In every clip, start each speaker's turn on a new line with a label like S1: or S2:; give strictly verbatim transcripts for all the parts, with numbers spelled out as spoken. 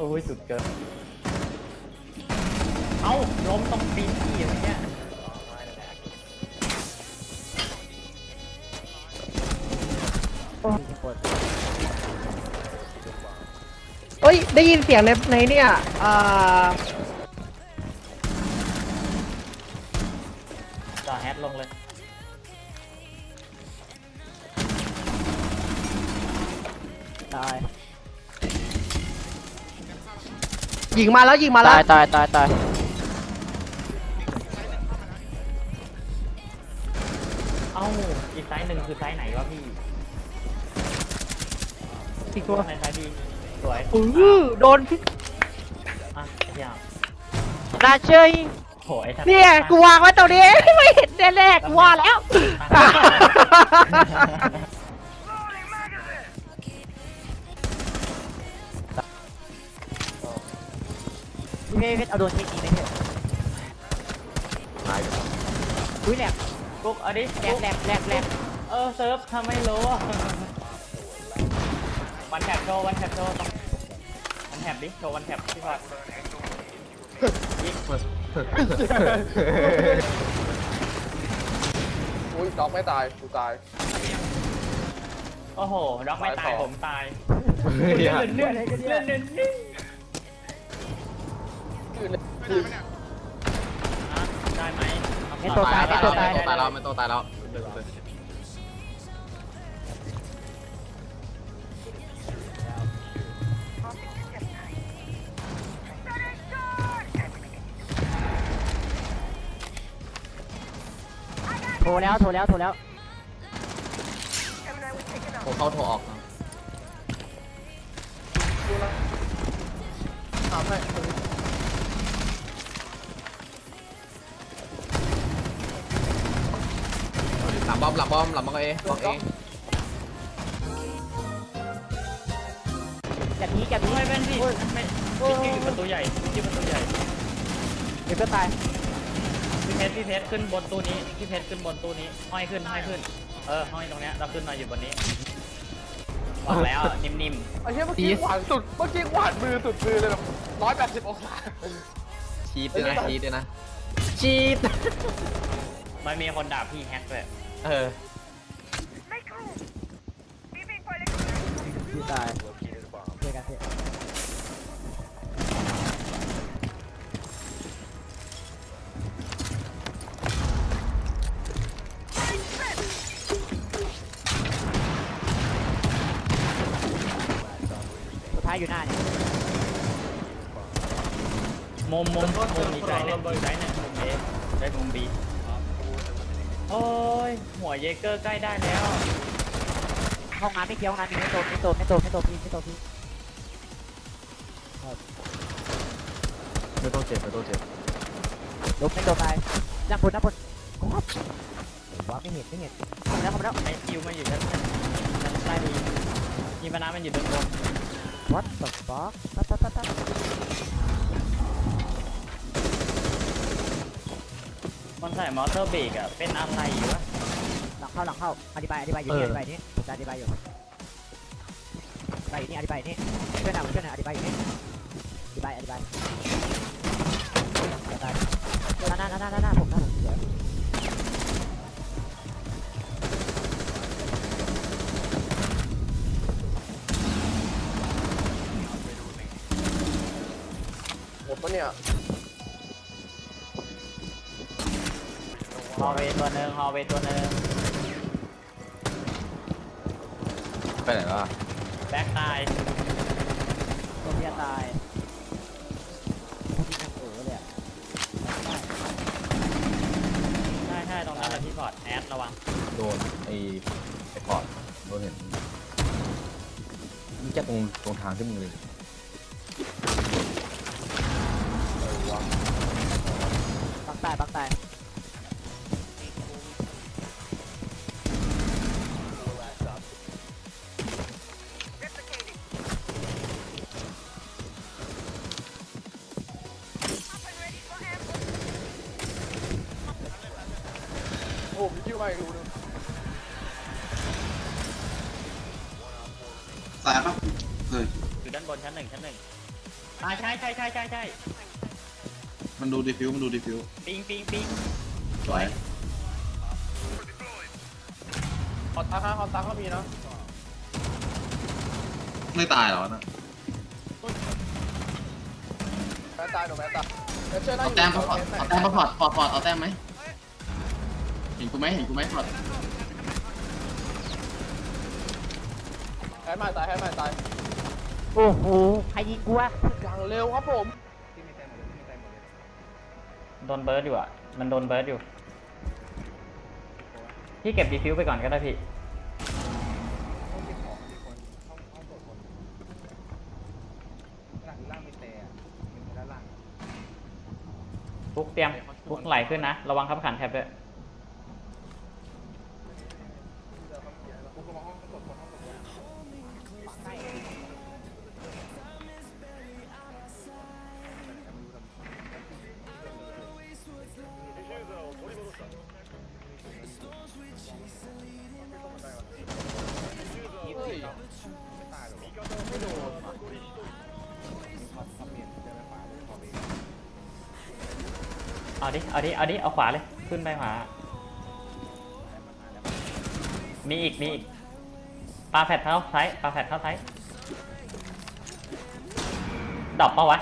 S1: ยสุดเกินเอ้าล้มตรงตีนพี่อะไรเงี้ย
S2: เฮ้ยได้ยินเสียงในในเนี่ยอ่า
S1: จ่อแฮตลงเลยตาย
S2: ยิงมาแล้วยิงมาแล้ว
S1: ตายตายตายตายเอ้าอีกไซส์หนึ่งคือไซส์ไหนวะพี่
S2: อีกตัว
S1: ในไซส์ดีสวย
S2: อือโดน
S1: อ่ะเที่ยว
S2: น่าเชย
S1: โหไอ้ทัศ
S2: เนี่ยกูวางไว้ตรงนี้ไม่เห็นแน่ๆกูว่าแล้ว
S3: พี่เพชรเอาโดนเทคนิคไหมเถอะอุ้ยแหลก
S1: กุ๊กเอาดิ
S3: แหลกแหลกแหลกแหลก
S1: เออเซิร์ฟทำไม่รู้อะวันแท็บโชว์วันแท็บโชว์วันแท็บดิโชว์วันแท็บพี่พอดยิง
S4: อุ้ยด็อกไม่ตายกูตาย
S1: โอ้โหด็อกไม่ตายผมตาย
S4: เลื่อน
S1: เลื่อนเลื่อนเลื่อนเลื่อน
S4: คือ
S1: อ่ะได้ไหม
S3: ไม่ตัวตายไม่ตัวตาย
S4: ตายแล้วไม่ต้องตายแล้ว
S3: โทรแล้วโทรแล้วโทรแล้ว
S4: โทรเข้าโทรออกถามให้หลังบอมหลังบอมหลังบอมเอบอมเอ
S3: จับนี้จับนี้
S1: ไม่เป็นพี่ไม่พี่อยู่ประตูใหญ่พี่ประตูใหญ่
S3: เดี๋ยวก็ตาย
S1: พี่เพชรพี่เพชรขึ้นบนตู้นี้พี่เพชรขึ้นบนตู้นี้ห้อยขึ้นห้อยขึ้นเออห้อยตรงเนี้ยเราขึ้นมาอยู่บนนี้บอกแล้วนิ่ม
S4: ไอ้เหี้ยเมื่อกี้หวานสุดเมื่อกี้หวานมือสุดมือเลยแบบร้อยแปดสิบองศาชีดด้วยนะชีดด้วยนะชีด
S1: ๆมันมีคนด่าพี่แฮกเลย
S4: เออ
S3: พี่ตายเจอกันเถอะสุดท้ายอยู่หน้าเนี่ย
S1: มุมมุมมุมอีกใจหนึ่งอีกใจหนึ่งมุมเอได้มุมบีโอ้ยหัวเยเกอร์ใกล้ได้แล้ว
S3: ห้องน้ำไม่เกี่ยวห้องน้ำมีไม่โตไม่โตไม่โตไม่โตพี่ไม่โตพี่
S4: ไม่ต้องเจ็บไม่ต้องเจ็บ
S3: ลบไม่โตตายด้านบนด้านบนก๊อบว่าไม่เห็นไม่เห็นเข้ามาแล้วเข้ามาแล้ว
S1: ไอคิวมาอยู่ชั้นชั้นใต้ดีมีปนามันอยู่ด้านบน
S3: what the fuck ปั๊บปั๊บปั๊บปั๊บ
S1: มันใส่มอเตอร์เบรกอะเป็นอะไรวะ
S3: หลังเข้าหลังเข้าอธิบายอธิบายอยู่นี่อธิบายนี้ผมจะอธิบายอยู่อธิบายอยู่นี่อธิบายนี่ช่วยหน่อยช่วยหน่อยอธิบายอยู่นี่อธิบายอธิบายอธิบายหน้าหน้าหน้าหน้าหน้าผมหน้าผมเดี๋ยว
S4: หมดปะเนี่ย
S1: ฮอลเวย์ตัวหนึ่งฮอลเวย์ตัวหนึ่ง
S4: ไปไหนล่ะ
S1: แบ็คตาย
S3: ตัวเมียตายพวกนี้นั่งเออเลยอ่ะ
S1: ใช่ใช่ตรงนั้นแหละพี่พอร์ตแอดระวัง
S5: โดนไอ้ไอ้พอร์ตโดนเห็นนี่แค่ตรงตรงทางที่มึงเลย
S3: ปักตายปักตาย
S4: โอ้มีคิวมาอีกรูนึง
S6: สายปะเออ
S1: อยู่ด้านบนชั้นหนึ่งชั้นหนึ่งอ่าใช่ใช่ใช่ใช่ใช่
S6: มันดูดีฟิวมันดูดีฟิว
S1: ปิงปิงปิง
S6: สวย
S4: คอนตักฮะคอนตักก็มีเนาะ
S6: ไม่ตายเหรอนะ
S4: แม่ตายหนูแม่ตายเดี๋ยวเชื่อหน้า
S6: เอา
S4: อยู่
S6: แต้มพอร์ตเอาแต้มพอร์ตพอร์ตพอร์ตเอาแต้มไหมเห็นกูไหมเห็นกูไหมพอร์ต
S4: แฮนด์มาตายแฮนด์มาตาย
S3: โอ้โหใครยิงกูวะ
S4: อย่างเร็วครับผม
S1: โดนเบิร์ดอยู่อ่ะมันโดนเบิร์ดอยู่พี่เก็บดีฟิวไปก่อนก็ได้พี่ฟุกเตรียมฟุกไหลขึ้นนะระวังขับขันแท็บด้วย
S4: เฮ้ย
S1: เอาดิ เอาดิ เอาดิ เอาขวาเลย ขึ้นไปขวา มีอีก มีอีก ปลาแผดเท้าซ้ายปลาแผดเท้าซ้ายดรอปปะวะ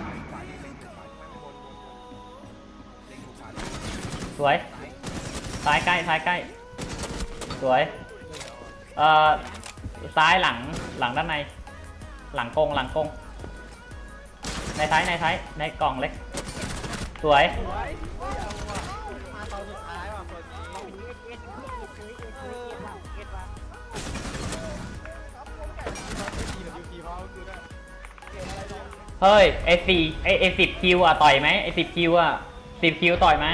S1: สวย ซ้ายใกล้ ซ้ายใกล้ สวย เอ่อ ซ้ายหลัง หลังด้านใน หลังกง หลังกง ในท้าย ในท้าย ในกล่องเล็ก สวย เฮ้ยไอสี่ไอไอสิบคิวอ่ะต่อยไหมไอสิบคิวอ่ะสิบคิวต่อยไหม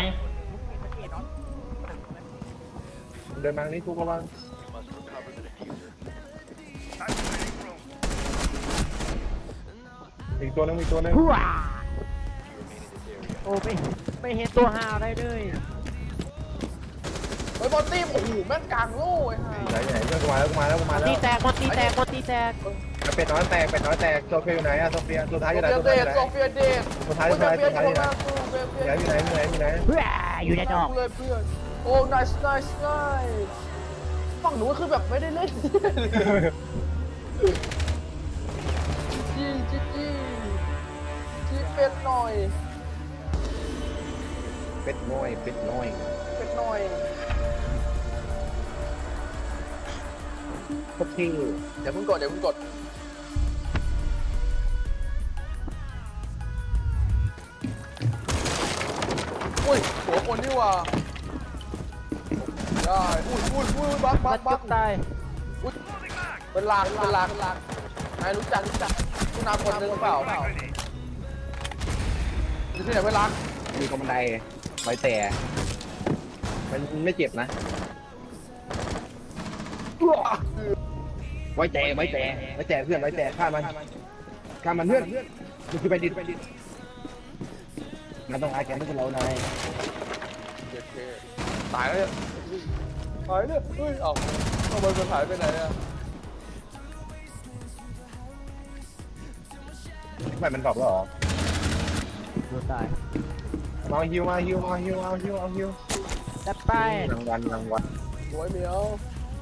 S2: เดินมานี่ทุกระวังอีกตัวนึงอีกตัวนึง
S3: พัวโอ้ไม่ไม่เห็นตัวหาอะไรเลย
S4: เฮ้ยบอลตี้โอ้โหแม่งกลางโล่ไอ้ห่า
S2: ไหนไหนเพื่อนกูมาแล้วกูมาแล้วกูมาแล้ว
S3: ตีแตกคนตีแตกคนตีแตก
S2: เป็ดน้อยแตกเป็ดน้อยแตกโซเฟียอยู่ไหนอะโซเฟียตัวท้ายอยู่ไหน
S4: โซ
S2: ตัว
S4: เฟี
S2: ท้าย
S4: ย
S2: อยู่ไหน
S4: โซเฟียเดช
S2: ตัวท้ายตัวท้ายตัวท้ายอยู่ไหน
S4: เฟีย
S2: อยู่ไหนอยู่ไหนอยู่ไหนอยู่ไหน
S3: พัวอยู่ในดอก
S4: เลยเพื่อนโอ้ nice nice nice ฝั่งหนูก็คือแบบไม่ได้เล่นจีจีจีจีเป็ดหน่อย
S2: เป็ดน้อยเป็ดน้อย
S4: เป็ดหน่อย
S2: โคตรที่
S4: เดี๋ยวเพิ่งกดเดี๋ยวเพิ่งกดอุ้ยหัวคนนี่ว่าได้อุ้ยอุ้ยอุ้ยบักบั
S3: มั
S4: ก
S3: น
S4: บั
S3: จุ
S4: ก
S3: กตาย
S4: อุ้ยเป็นลางเป็นลางเป็นลางนายรู้จักรู้จักคุณนาคนนึงเปล่าอยู่ที่ไหนเป็นลาง
S2: มีกำไดไว้แต่มันไม่เจ็บนะไว้แต่ไว้แต่ไว้แต่เพื่อนไว้แต่ฆ่ามันฆ่ามันเพื่อนมันคือไปดินไปดินมันต้องอาแกนพวกเรานาย
S4: โอเคตายแล้วเนี่ยตายเนี่ยเฮ้ยเอ้าทำไมมันหายไปไหนเนี่ย
S2: ทำไมมันตอบแล้วหรอ
S3: ดูตาย
S2: มาฮิวมาฮิวมาฮิวเอาฮิวเอาฮิว
S3: จัดไป
S2: รางวัลรางวัล
S4: โวยเหมียว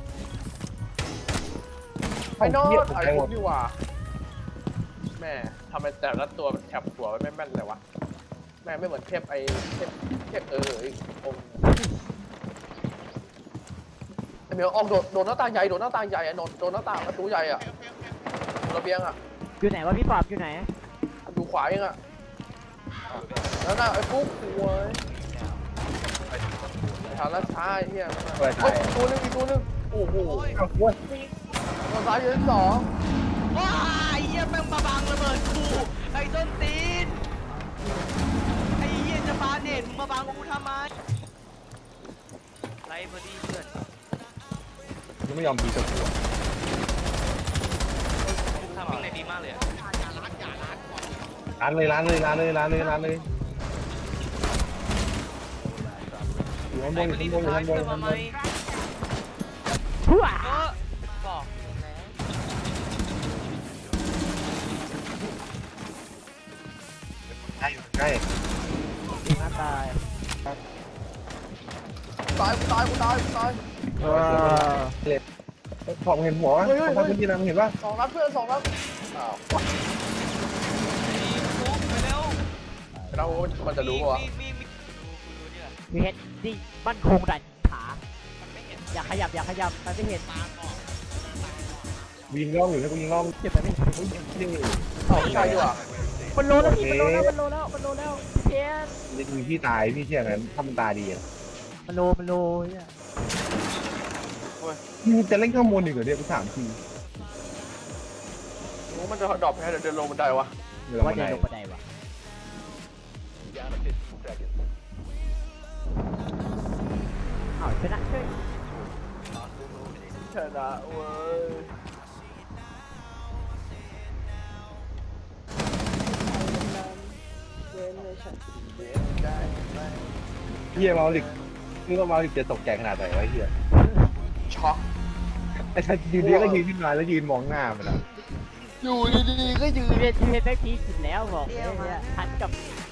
S4: ไอ้นอตไอ้พวกนี่ว่าแม่ทำไมแต่ละตัวมันแคบหัวไม่แม่นเลยวะแม่ไม่เหมือนเทพไอ้เทพเทพเออไอ้องค์ไอ้เหมียวออกโดดโดดหน้าต่างใหญ่โดดหน้าต่างใหญ่อะโดดโดดหน้าต่างประตูใหญ่อะระเบียงอะ
S3: อยู่ไหนวะพี่ปอบอยู่ไหน
S4: ดูขวาเองอะแล้วน่ะไอ้ฟุ๊กหวยทางลัดช้าไอ้เหี้ยเฮ้ยอีกตัวนึงอีกตัวนึงโอ้โห
S2: เอาวัว
S4: ตัวซ้ายอยู่ที่สอง
S7: ว้าไอ้เหี้ยแม่งมาบังระเบิดกูไอ้ต้นตีนไอ้เหี้ยจะปาเน็ตมึงมาบังกูทำไมไรพอดีเพื่อน
S2: ยังไม่ยอมตีตัวหัว
S7: ทำมิ่งในดีมากเลยอะ
S2: ร้านเลยร้านเลยร้านเลยร้านเลยร้านเลยอยู่ข้างบ
S7: ไอ้
S2: น
S7: พอดี
S2: อยู่
S7: สุด
S2: ข้างบ
S7: ท้าย
S2: นอยู่
S7: เพื่อ
S2: ข้างบ
S7: มาน ไหม
S3: พัว
S7: เออบอกแล้ว
S2: ใกล้
S3: ยิงหน้าตาย
S4: ตายกูตายกูตายกูตาย
S3: เออ
S2: พอเห็นหัววะพอพื้นที่นะมึงเห็นปะ
S4: สองนัดเพื่อนสองนัดอ้าว
S7: ฟุกไปเร็ว
S4: เรามันจะรู้ปะวะ
S7: มีมีมีนี่แหละ
S3: มีเห็ดที่มั่นคงดันขา
S7: มันไม่เห็น
S3: อย่าขยับอย่าขยับมันไม่เห็น
S7: ตาก่อน
S2: ยิงล่องอยู่นะกูยิงล่อง
S3: เจ็บไปไม่เห็น
S2: นี่
S4: เอ้าไม่ใช่ดีกว่า
S3: มันโลแล้วพี่มันโลแล้วมันโลแล้วมันโลแล้วเพี้ยน
S2: นี่คือพี่ตายพี่เชื่องั้นถ้ามันตาดีอ่ะ
S3: มันโลมันโลเนี่ย
S2: มึงจะเล่นข้างบนอีกเหรอเนี่ยกูถามที
S4: โอ้มันจะดรอปแค่เดินลงบันไดวะ
S2: เดี๋ยว
S3: ว่า
S2: มา
S3: จะ
S2: ไหน
S3: ลงบันไดวะอ้าวชนะเฉย
S4: ชนะเว้ย
S2: เฮียเมาลิกนึกว่าเมาลิกจะตกใจขนาดไหนวะเฮีย
S4: ช็อก
S2: ไอ้ชันยืนดีก็ยืนขึ้นมาแล้วยืนมองหน้ามันอ่ะ
S4: อยู่ดีๆก็ยืน
S3: พี่เพชรพี่เพชรแม่งพีกินแล้วบอกเลยเนี่ยทันกับ